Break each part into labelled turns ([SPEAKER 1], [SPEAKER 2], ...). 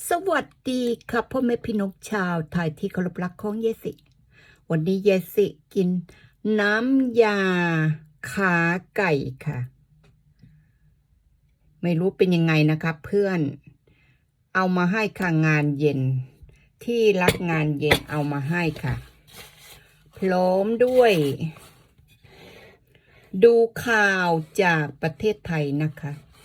[SPEAKER 1] สวัสดีครับพ่อแม่พี่น้องชาวไทยที่เคารพรักของเยสิ วันนี้เยสิกินน้ำยาขาไก่ค่ะ ไม่รู้เป็นยังไงนะครับเพื่อนเอามาให้ค่ะงานเย็นที่รักงานเย็นเอามาให้ค่ะพร้อมด้วย ดูข่าวจากประเทศไทยนะคะ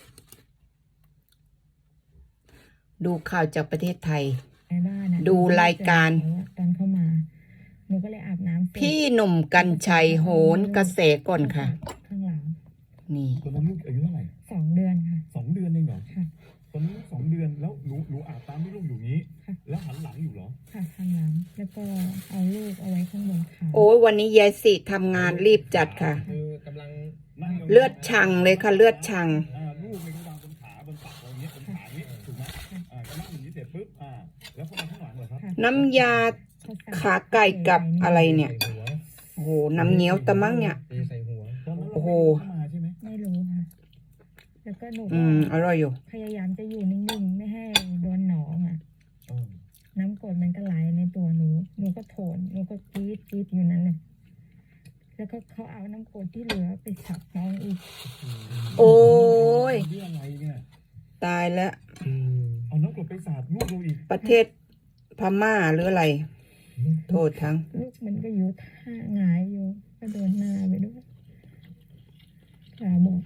[SPEAKER 1] ดูข่าวจากประเทศไทยดูรายการ
[SPEAKER 2] ตอนเข้ามาหนูก็เลยอาบน้ำ
[SPEAKER 1] พี่หนุ่มกรรชัยโหนกระแสก่อนค่ะ
[SPEAKER 2] ข้างหลัง
[SPEAKER 1] นี่
[SPEAKER 3] ตอนนั้นลูกอายุเท่าไหร่
[SPEAKER 2] 2 เดือนค่ะ
[SPEAKER 3] 2 เดือนเองเหรอ
[SPEAKER 2] ค่ะ
[SPEAKER 3] ตอนนั้นลูก2 เดือนแล้วหนูอาบตามที่ลูกอยู่นี้แล้วหันหลังอยู่เหรอ
[SPEAKER 2] ค่ะหันหลังแล้วก็เอาลูกเอาไว้ข้างบนขา
[SPEAKER 1] โอ้ยวันนี้ยายสิทำงานรีบจัดค่ะ
[SPEAKER 3] กำลัง
[SPEAKER 1] เลือดชังเลยค่ะเลือดชัง
[SPEAKER 3] ลูกในกระดานบนขาบนตักอะไรเงี้ยบนขานี้ถูกไหมก็นั่งอย่างนี้เสร็จปุ๊บแล้วเขามาข้างหลังเหรอครับ
[SPEAKER 1] น้ำยาขาไก่กับอะไรเนี่ยโอ้โหน้ำเงี้ยวตะมั้งเนี่ยโอ้โห
[SPEAKER 2] ไม่รู้ค่ะแล้วก็หนู
[SPEAKER 1] อร่อยอยู่
[SPEAKER 2] พยายามจะอยู่นิ่งๆไม่ให้โดนหนองน้ำกรดมันก็ไหลในตัวหนูก็โถนหนูก็กรีดอยู่นั่นเลยแล้วก็เขาเอาน้ำกรดที่เหลือไปฉับน้องอีก
[SPEAKER 1] โอ้ย
[SPEAKER 3] ต
[SPEAKER 1] ายแล้ว
[SPEAKER 3] เอาน้ำกรดไปสาดลูกเราอีก
[SPEAKER 1] ประเทศพม่าหรืออะไรโทษทั้ง
[SPEAKER 2] ลูกมันก็อยู่ท่าหงายอยู่ก็โดนหน้าไปด้วยขาบอก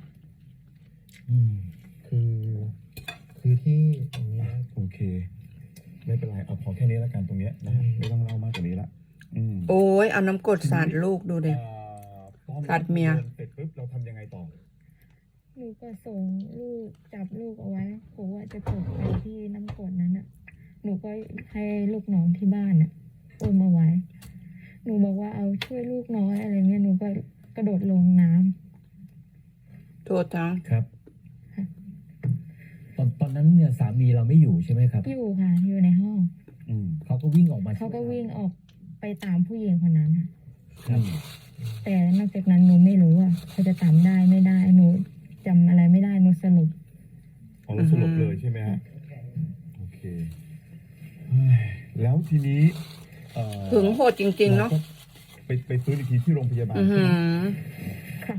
[SPEAKER 3] คือที่ตรงนี้โอเคไม่เป็นไรเอาพอแค่นี้แล้วกันตรงนี้นะไม่ต้องเล่ามากกว่านี้ละ
[SPEAKER 1] โอ้ยเอาน้ำกรดสาดลูกดูดิสาดเมีย
[SPEAKER 3] เสร็จปุ๊บเราทำยังไงต่อ
[SPEAKER 2] หนูก็ส่งลูกจับลูกเอาไว้ผมว่าจะกดไปที่น้ำกรดนั้นน่ะหนูก็ให้ลูกน้องที่บ้านน่ะอุ้มเอาไว้หนูบอกว่าเอาช่วยลูกน้อยอะไรเงี้ยหนูก็กระโดดลงน้
[SPEAKER 1] ำโทษทั้ง
[SPEAKER 3] ครับตอนนั้นเนี่ยสามีเราไม่อยู่ใช่ไหมครับ
[SPEAKER 2] อยู่ค่ะอยู่ในห้อง
[SPEAKER 3] เขาก็วิ่งออกมา
[SPEAKER 2] เขาก็วิ่งออกไปตามผู้หญิงคนนั้นค่ะแต่นอกจากนั้นหนูไม่รู้ว่าเขาจะตามได้ไม่ได้หนูจำอะไรไม่ได้หนูสรุป
[SPEAKER 3] สรุปเลยใช่ไหมฮะโอเคแล้วทีนี้
[SPEAKER 1] ถึงโหดจริงๆเนาะ
[SPEAKER 3] ไปฟื้นอีกทีที่โรงพยาบาลใช่ไหม
[SPEAKER 2] ค่ะ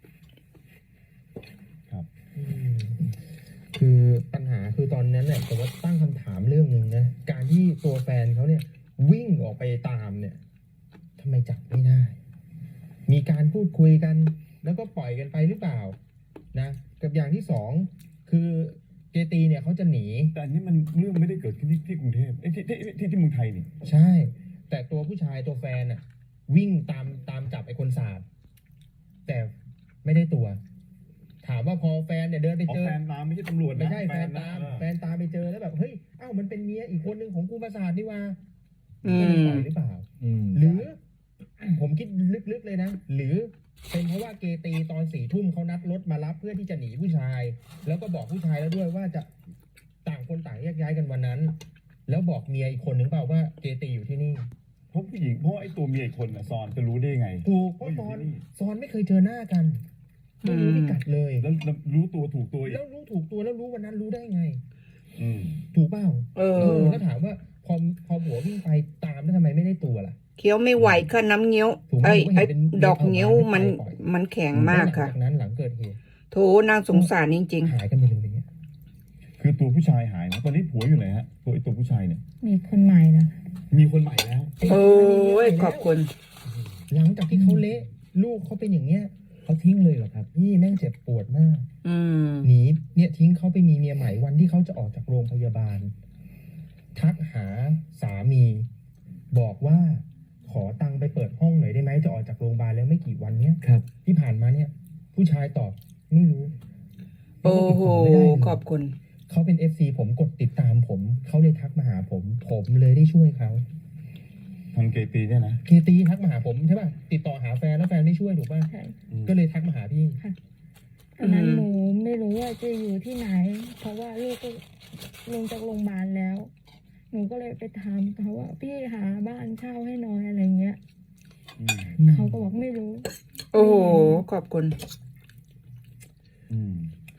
[SPEAKER 3] ครับ
[SPEAKER 4] คือปัญหาคือตอนนั้นเนี่ยผมว่าตั้งคำถามเรื่องหนึ่งนะการที่ตัวแฟนเขาเนี่ยวิ่งออกไปตามเนี่ยทำไมจับไม่ได้มีการพูดคุยกันแล้วก็ปล่อยกันไปหรือเปล่านะกับอย่างที่สองคือเจตีเนี่ยเขาจะหนี
[SPEAKER 3] แต่อันนี้มันเรื่องไม่ได้เกิดขึ้นที่กรุงเทพที่เมืองไทยนี่
[SPEAKER 4] ใช่แต่ตัวผู้ชายตัวแฟนน่ะวิ่งตามจับไอ้คนสาดแต่ไม่ได้ตัวถามว่าพอแฟนเนี่ยเดินไปเจอ
[SPEAKER 3] แฟนตามไม่ใช่ตำรวจ
[SPEAKER 4] ไม่ใช่แฟนตามไปเจอแล้วแบบเฮ้ยมันเป็นเมียอีกคนนึงของกูมาสาดนี่ว่าจะปล่อยหรือเปล่าหรือผมคิดลึกๆเลยนะหรือเป็นเพราะว่าเกตีตอน4 ทุ่มเขานัดรถมารับเพื่อที่จะหนีผู้ชายแล้วก็บอกผู้ชายแล้วด้วยว่าจะต่างคนต่างแยกย้ายกันวันนั้นแล้วบอกเมียอีกคนนึงเปล่าว่าเกตีอยู่ที่นี่
[SPEAKER 3] เพราะผู้หญิงเพราะไอ้ตัวเมียอีกคนน่ะซอนจะรู้ได้ไง
[SPEAKER 4] ถูกเพราะซอนไม่เคยเจอหน้ากันไม่รู้พิกัดเลย
[SPEAKER 3] แล้วรู้ตัวถูกตัว
[SPEAKER 4] แล้วรู้ถูกตัวแล้วรู้วันนั้นรู้ได้ไงถูกเปล่าแล้วถามว่าพอหัววิ่งไปตามแล้วทำไมไม่ได้ตัวล่ะ
[SPEAKER 1] เคี้ยวไม่ไหวค่ะน้ำเงี้ยวไอ้ดอกเงี้ยวมันแข็งมากค่ะ
[SPEAKER 4] จากนั้นหลังเกิดเหตุ
[SPEAKER 1] โถนางสงสารจริง
[SPEAKER 4] ๆหายกันไปเลยอย่างเงี้ย
[SPEAKER 3] คือตัวผู้ชายหายนะตอนนี้ผัวอยู่ไหนฮะตัวผู้ชายเนี่ย
[SPEAKER 2] มีคนใหม่แล้ว
[SPEAKER 3] มีคนใหม่แล้ว
[SPEAKER 1] โอ้ยขอบคุณ
[SPEAKER 4] หลังจากที่เขาเละลูกเขาเป็นอย่างเงี้ยเขาทิ้งเลยเหรอครับนี่แม่งเจ็บปวดมากหนีเนี่ยทิ้งเขาไปมีเมียใหม่วันที่เขาจะออกจากโรงพยาบาลทักหาสามีบอกว่าขอตังค์ไปเปิดห้องหน่อยได้ไหมจะออกจากโรงพยาบาลแล้วไม่กี่วันเนี้ย
[SPEAKER 3] ครับ
[SPEAKER 4] ที่ผ่านมาเนี่ยผู้ชายตอบไม่รู้
[SPEAKER 1] โอ้โหขอบคุณ
[SPEAKER 4] เขาเป็น FC ผมกดติดตามผมเขาเลยทักมาหาผมเลยได้ช่วยเขา
[SPEAKER 3] ทางเกตีเนี่ยนะ
[SPEAKER 4] เกตีทักมาหาผมใช่ป่ะติดต่อหาแฟนแล้วแฟนไม่ช่วยถูกป่ะ
[SPEAKER 2] ใช่
[SPEAKER 4] ก็เลยทักมาหาพี่
[SPEAKER 2] ตอนนั้นหนูไม่รู้ว่าจะอยู่ที่ไหนเพราะว่าลูกก็ลงจากโรงพยาบาลแล้วหนูก็เลยไปถามเขาว่าพี่หาบ้านเช่าให้น้อยอะไรเงี้ยเขาก็บอกไม่รู้
[SPEAKER 1] โอ้โหขอบคุณ
[SPEAKER 3] คื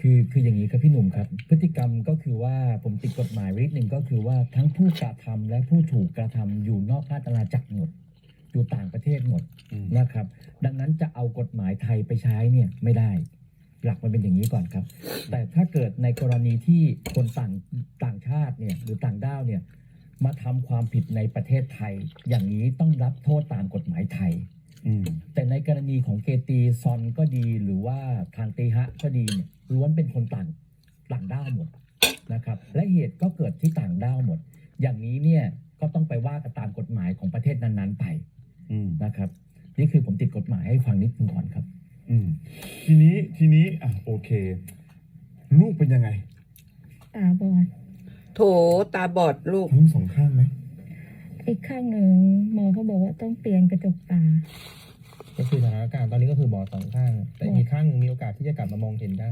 [SPEAKER 5] คืออย่างนี้ครับพี่หนุ่มครับพฤติกรรมก็คือว่าผมติดกฎหมายไว้นิดหนึ่งก็คือว่าทั้งผู้กระทำและผู้ถูกกระทำอยู่นอกราชอาณาจักรหมดอยู่ต่างประเทศหมด นะครับ ดังนั้นจะเอากฎหมายไทยไปใช้เนี่ยไม่ได้ หลักมันเป็นอย่างนี้ก่อนครับ แต่ถ้าเกิดในกรณีที่คนต่างชาติเนี่ยหรือต่างด้าวเนี่ยมาทำความผิดในประเทศไทย อย่างนี้ต้องรับโทษตามกฎหมายไทย แต่ในกรณีของเกตีซอนก็ดีหรือว่าทางเตฮะก็ดีเนี่ยล้วนเป็นคนต่างด้าวหมดนะครับและเหตุก็เกิดที่ต่างด้าวหมด อย่างนี้เนี่ยก็ต้องไปว่ากันตามกฎหมายของประเทศนั้นๆไปนะครับนี่คือผมติดกฎหมายให้ฟังนิดนึงก่อนครับ
[SPEAKER 3] ทีนี้อ่ะโอเค ลูกเป็นยังไง
[SPEAKER 2] ตาบอด
[SPEAKER 1] โถตาบอดลูก
[SPEAKER 3] ทั้งสองข้างไหม
[SPEAKER 2] อีกข้างหนึ่งหมอเขาบอกว่าต้องเปลี่ยนกระจกตา
[SPEAKER 4] ก็คือสถานการณ์ตอนนี้ก็คือบอดสองข้าง แต่อีกข้างหนึ่งมีโอกาสที่จะกลับมามองเห็นได้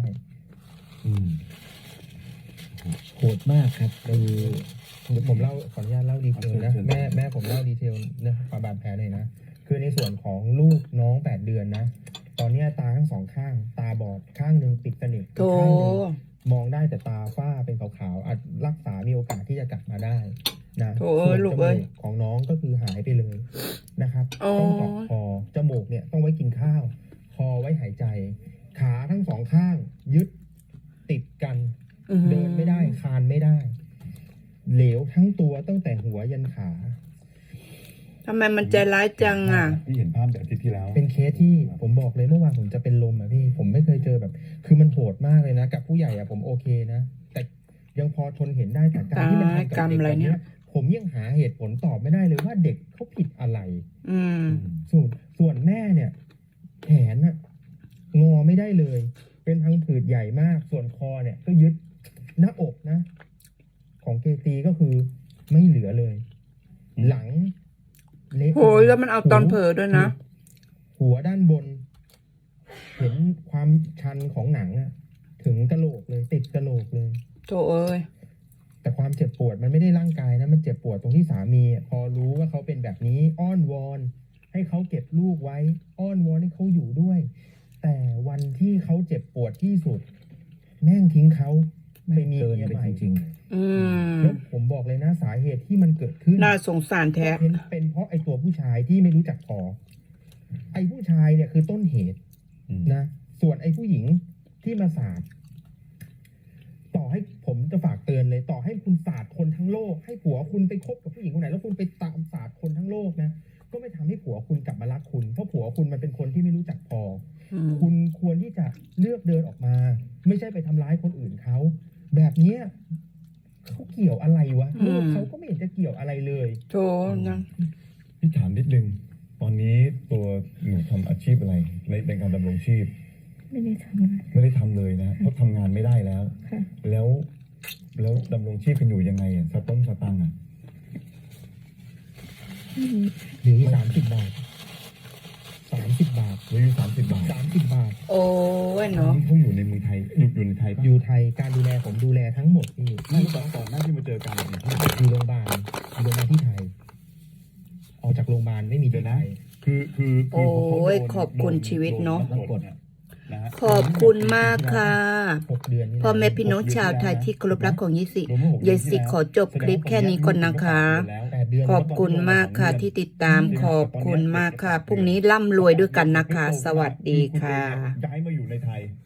[SPEAKER 5] โหดมากครับคือ
[SPEAKER 4] เดี๋ยวผมเล่าขออนุญาตเล่าดีเทลนะ
[SPEAKER 3] เชิญ
[SPEAKER 4] แม่ผมเล่าดีเทลเรื่องความบาดแผลหน่อยนะคือในส่วนของลูกน้อง8 เดือนนะ ตอนเนี้ยตาทั้งสองข้าง ตาบอดข้างหนึ่งปิดสนิท
[SPEAKER 1] โถ
[SPEAKER 4] อีกข้างหนึ่งมองได้แต่ตาฝ้าเป็นขาวๆอาจรักษามีโอกาสที่จะกลับมาได้นะ
[SPEAKER 1] โถ
[SPEAKER 4] ส่วน
[SPEAKER 1] ลู
[SPEAKER 4] จ
[SPEAKER 1] ก
[SPEAKER 4] มู
[SPEAKER 1] เอ้ย
[SPEAKER 4] กของน้องก็คือหายไปเลยนะครับ
[SPEAKER 1] อ๋อ
[SPEAKER 4] ต้องเจาะคอจมูกเนี่ยต้องไว้กินข้าว คอไว้หายใจ ขาทั้งสองข้าง ยึดติดกัน เดินไม่ได้คลานไม่ได้ เหลวทั้งตัวตั้งแต่หัวยันขา
[SPEAKER 1] ทำไมมันใจร้ายจังอ่ะ
[SPEAKER 3] ที่เห็นภาพแต่อาทิตย์ที่แล้ว
[SPEAKER 4] เป็นเคสที่ผมบอกเลยเมื่อวานผมจะเป็นลมอ่ะพี่ ผมไม่เคยเจอแบบ คือมันโหดมากเลยนะ กับผู้ใหญ่อ่ะผมโอเคนะ แต่ยังพอทนเห็นได้แต่การที่มันทำกับ
[SPEAKER 1] กรรม
[SPEAKER 4] เด็ก
[SPEAKER 1] อะไร
[SPEAKER 4] แบบ
[SPEAKER 1] เนี่
[SPEAKER 4] เนี้
[SPEAKER 1] ย
[SPEAKER 4] ยผมยังหาเหตุผลตอบไม่ได้เลยว่าเด็กเขาผิดอะไร
[SPEAKER 1] อืม
[SPEAKER 4] ส่วนแม่เนี่ยแขนน่ะงอไม่ได้เลย เป็นพังผืดใหญ่มาก ส่วนคอเนี่ยก็ยึดหน้าอกนะ ของเกตีก็คือไม่เหลือเลย หลังเละ
[SPEAKER 1] โหยแล้วมันเอาตอนเผลอด้วยนะ
[SPEAKER 4] หัวด้านบน เห็นความชันของหนังอะถึงกะโหลกเลย ติดกะโหลกเลย
[SPEAKER 1] โถเอ้ย
[SPEAKER 4] แต่ความเจ็บปวดมันไม่ได้ร่างกายนะ มันเจ็บปวดตรงที่สามีอะพอรู้ว่าเขาเป็นแบบนี้อ้อนวอน ให้เขาเก็บลูกไว้ อ้อนวอนให้เขาอยู่ด้วย แต่วันที่เขาเจ็บปวดที่สุด แม่งทิ้งเขาไปมี
[SPEAKER 5] เกิน
[SPEAKER 4] เมีย
[SPEAKER 5] ไป
[SPEAKER 4] ใหม่
[SPEAKER 5] จริง
[SPEAKER 1] อืม
[SPEAKER 4] แล้วผมบอกเลยนะสาเหตุที่มันเกิดขึ้น
[SPEAKER 1] น่าสงสารแท้
[SPEAKER 4] เป็นเพราะไอ้ตัวผู้ชายที่ไม่รู้จักพอ ไอ้ผู้ชายเนี่ยคือต้นเหตุนะ ส่วนไอ้ผู้หญิงที่มาสาดต่อให้ผมจะฝากเตือนเลย ต่อให้คุณสาดคนทั้งโลก ให้ผัวคุณไปคบกับผู้หญิงคนไหนแล้วคุณไปตามสาดคนทั้งโลกนะ ก็ไม่ทำให้ผัวคุณกลับมารักคุณ เพราะผัวคุณมันเป็นคนที่ไม่รู้จักพอ
[SPEAKER 1] อืม
[SPEAKER 4] คุณควรที่จะเลือกเดินออกมา ไม่ใช่ไปทำร้ายคนอื่นเขา แบบเนี้ยเขาเกี่ยวอะไรวะลูกเขาก็ไม่เห็นจะเกี่ยวอะไรเลย
[SPEAKER 1] โถนะ
[SPEAKER 3] พี่ถามนิดนึง ตอนนี้ตัวหนูทำอาชีพอะไรในการดำรงชีพ
[SPEAKER 2] ไม่ได้ทำงาน
[SPEAKER 3] ไม่ได้ทำเลยนะเพราะทำงานไม่ได้แล้ว
[SPEAKER 2] ค่ะ
[SPEAKER 3] แล้วดำรงชีพกันอยู่ยังไงอ่ะสต้งสตังค์อ่ะ
[SPEAKER 4] หรือ30 บาท 30 บาท
[SPEAKER 3] เหลืออยู่30 บาท
[SPEAKER 4] 30 บาท
[SPEAKER 1] โอ้ยเนาะ
[SPEAKER 3] นี่เขาอยู่ในเมืองไทยอยู่ในไทยปะ
[SPEAKER 4] อยู่ไทยการดูแลผมดูแลทั้งหมดนี่
[SPEAKER 3] ไม่ก่อนหน้าที่มาเจอกันอยู่ที่
[SPEAKER 4] อยู่โรงพยาบาลที่ไทย ออกจากโรงพยาบาลไม่มี
[SPEAKER 3] เดี๋ย
[SPEAKER 4] ที่
[SPEAKER 3] ว
[SPEAKER 4] ไท
[SPEAKER 3] นะ
[SPEAKER 4] ย
[SPEAKER 3] คือพอเขา
[SPEAKER 1] โอ้ย
[SPEAKER 3] โดน
[SPEAKER 1] ขอบคุณชีวิตเนอะ
[SPEAKER 3] โดกดเนี่ยนะฮะ
[SPEAKER 1] ขอบคุณมากค่ะ
[SPEAKER 4] 6 เดือนนี่
[SPEAKER 1] พ่อแม่พี่น้องชาวไทยที่เคารพรักของยิสิเยสิขอจบคลิปแค่นี้ก่อนนะคะ
[SPEAKER 4] 8 เดือน
[SPEAKER 1] ขอบคุณมากค่ะที่ติดตามขอบคุณมากค่ะ พรุ่งนี้ร่ำรวยด้วยกันนะคะ สวัสดีค่ะ
[SPEAKER 3] ย้ายมาอยู่ในไทย